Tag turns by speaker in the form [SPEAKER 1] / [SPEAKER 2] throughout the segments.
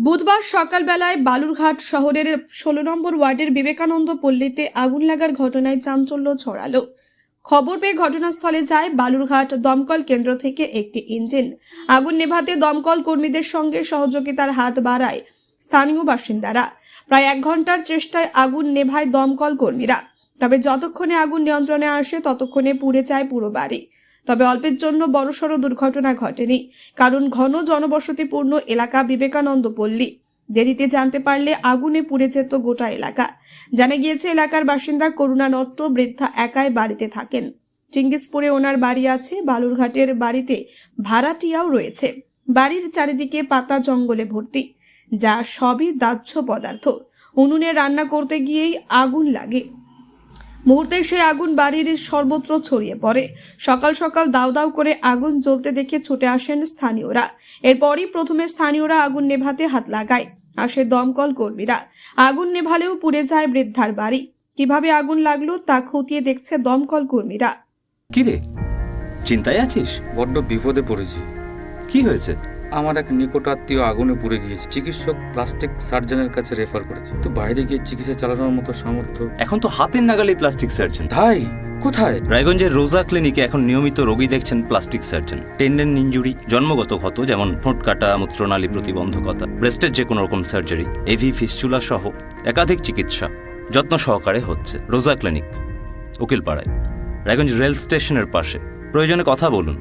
[SPEAKER 1] বুধবার সকালবেলায় বালুরঘাট শহরের ১৬ নম্বর ওয়ার্ডের বিবেকানন্দ পল্লীতে আগুন লাগার ঘটনায় চাঞ্চল্য ছড়ালো। খবর পেয়ে ঘটনাস্থলে যায় বালুরঘাট দমকল কেন্দ্র থেকে একটি ইঞ্জিন। আগুন নেভাতে দমকল কর্মীদের সঙ্গে সহযোগিতার হাত বাড়ায় স্থানীয় বাসিন্দারা। প্রায় ১ ঘন্টার চেষ্টায় আগুন নেভায় দমকল কর্মীরা। তবে যতক্ষণে আগুন নিয়ন্ত্রণে আসে ততক্ষণে পুড়ে যায় পুরো বাড়ি। তবে অল্পের জন্য বড়সড় দুর্ঘটনা ঘটেনি, কারণ ঘন জনবসতিপূর্ণ এলাকা বিবেকানন্দ পল্লী। দেরিতে জানতে পারলে আগুনে পুড়ে যেত গোটা এলাকা। জানা গিয়েছে এলাকার বাসিন্দা করুণা নট্ট বৃদ্ধা একাই বাড়িতে থাকেন। চিঙ্গিসপুরে ওনার বাড়ি আছে, বালুরঘাটের বাড়িতে ভাড়াটিয়াও রয়েছে। বাড়ির চারিদিকে পাতা জঙ্গলে ভর্তি, যা সবই দাহ্য পদার্থ। উনুনে রান্না করতে গিয়েই আগুন লাগে। মুহূর্তে সেই আগুন বাড়ির সর্বত্র ছড়িয়ে পড়ে। সকাল সকাল দাউ দাউ করে আগুন জ্বলতে দেখে ছুটে আসেন স্থানীয়রা। এরপরই প্রথমে স্থানীয়রা আগুন নেভাতে হাত লাগায়, আসে দমকল কর্মীরা। আগুন নেভালেও পুড়ে যায় বৃদ্ধার বাড়ি। কিভাবে আগুন লাগলো তা খতিয়ে দেখছে দমকল কর্মীরা।
[SPEAKER 2] কি রে, চিন্তায় আছিস?
[SPEAKER 3] বড্ড বিপদে পড়েছি।
[SPEAKER 2] কি হয়েছে?
[SPEAKER 3] আমার এক নিকট আত্মীয় আগুনে পুড়ে গিয়েছে। চিকিৎসক প্লাস্টিক সার্জনের কাছে রেফার করেছে, তো বাইরে গিয়ে চিকিৎসা চালানোর মতো সামর্থ্য।
[SPEAKER 2] এখন তো হাতের নাগালে প্লাস্টিক সার্জন।
[SPEAKER 3] ভাই কোথায়?
[SPEAKER 2] রায়গঞ্জের রোজা ক্লিনিকে এখন নিয়মিত রোগী দেখছেন প্লাস্টিক সার্জন। টেন্ডেন ইনজুরি, জন্মগত ক্ষত যেমন ঠোঁট কাটা, মূত্রনালী প্রতিবন্ধকতা, ব্রেস্টের যে কোনো রকম সার্জারি, এভি ফিস্চুলা সহ একাধিক চিকিৎসা যত্ন সহকারে হচ্ছে রোজা ক্লিনিক, উকিলপাড়ায়, রায়গঞ্জ রেল স্টেশনের পাশে। প্রয়োজনে কথা বলুন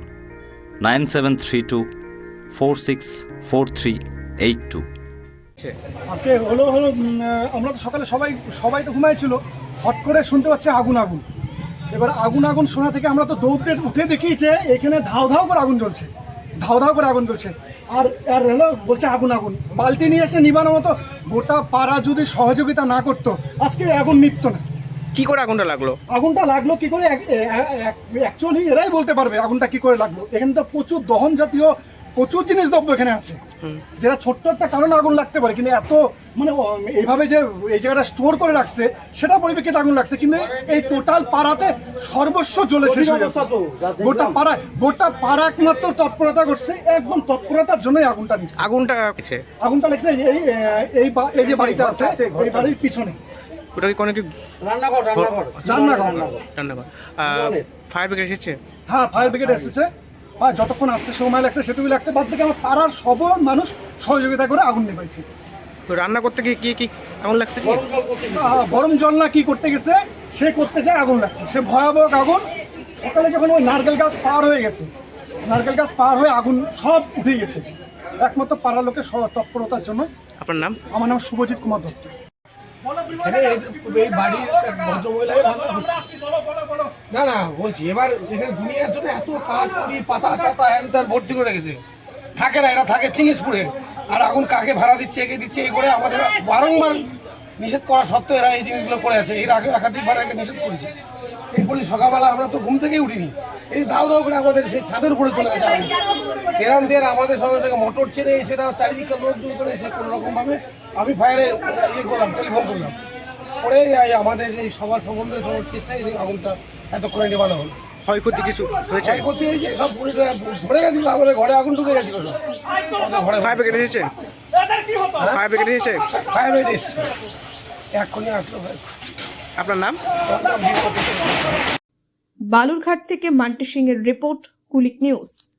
[SPEAKER 2] 9732464382।
[SPEAKER 4] আজকে হলো আমরা তো সকালে সবাই তো ঘুমাইছিল, হট করে শুনতে পাচ্ছি আগুন। এবার আগুন শোনা থেকে আমরা তো দৌড়তে উঠে দেখি যে এখানে ধাও ধাও করে আগুন জ্বলছে। আর হলো বলছে আগুন। বালতি নিয়ে এসে নিবানোর মতো গোটা পাড়া যদি সহযোগিতা না করতো আজকে আগুন নিভতো না।
[SPEAKER 5] কি করে আগুনটা লাগলো
[SPEAKER 4] কি করে অ্যাকচুয়ালি এরাই বলতে পারবে আগুনটা কি করে লাগলো। এখানে তো প্রচুর দহন জাতীয় প্রচুর জিনিস দ্রব্য এখানে আছে, যেটা ছোট্ট একটা কারণে আগুন লাগতে পারে, কিন্তু এত মানে এইভাবে যে এই জায়গাটা স্টোর করে রাখছে সেটা পরিপ্রেক্ষিতে আগুন লাগছে। কিন্তু এই টোটাল পাড়াতে সর্বস্ব জ্বলে শেষ হয়ে গেছে। গোটা পাড়া একমাত্র তৎপরতা করছে, একদম তৎপরতার জন্যই আগুনটা নিচ্ছে। আগুনটা লাগছে এই যে বাড়িটা আছে এই বাড়ির পিছনে।
[SPEAKER 5] ওটা কি কোনো কি
[SPEAKER 4] রান্নাঘর
[SPEAKER 5] ফায়ার ব্রিগেড এসেছে?
[SPEAKER 4] হ্যাঁ, ফায়ার ব্রিগেড এসেছে। যতক্ষণ আসতে সময় লাগছে সেটুকু লাগছে, বাদ থেকে আমার পাড়ার সব মানুষ সহযোগিতা করে আগুন নেভাইছে।
[SPEAKER 5] তো রান্না করতে গিয়ে কি আগুন লাগছে?
[SPEAKER 4] গরম জল না কি করতে গেছে, সে করতে যায় আগুন লাগছে। সে ভয়াবহ আগুন। সকালে যখন ওই নারকেল গাছ পার হয়ে আগুন সব উঠে গেছে, একমাত্র পাড়ার লোকের তৎপরতার জন্য।
[SPEAKER 5] আপনার নাম?
[SPEAKER 4] আমার নাম শুভজিৎ কুমার দত্ত।
[SPEAKER 6] এই বাড়ির ভদ্রমহিলা না বলছি, এবার এখানে দুনিয়ার জন্য এত কাঠপুরি পাতা হ্যান ভর্তি করে রেখেছে। থাকে না, এরা থাকে চিঙ্গিসপুরে, আর আগুন কাকে ভাড়া দিচ্ছে, একে দিচ্ছে, এই করে আমাদের বারংবার নিষেধ করা সত্ত্বেও এরা এই জিনিসগুলো করে আছে। এর আগে একাধিকবার একে নিষেধ করেছে। এই বলি সকালবেলা আমরা তো ঘুম থেকেই উঠিনি, এই দাও করে আমাদের সেই ছাদের উপরে চলে গেছে আগুন। এরাম দিয়ে আমাদের সঙ্গে থেকে মোটর ছেড়ে সেটা চারিদিকে লোক দূর করে সে কোনোরকমভাবে আমি ফায়ারে টেলিফোন করলাম, পরে আমাদের এই সবার সম্বন্ধে সবার চেষ্টায় এই আগুনটা এতক্ষণে নেবানো হলো।
[SPEAKER 5] ক্ষয়ক্ষতি কিছু হয়েছে?
[SPEAKER 6] ক্ষয়ক্ষতি এই যে সব ধরে গেছিল, আমাদের ঘরে আগুন ঢুকে গেছিল।
[SPEAKER 5] ফায়ার ব্রিগেড এসেছে?
[SPEAKER 6] ফায়ার ব্রিগেড এসেছে, এক্ষুনি আসলো।
[SPEAKER 5] আপনার নাম?
[SPEAKER 1] বালুরঘাট থেকে মান্টি সিং এর রিপোর্ট, কুলিক নিউজ।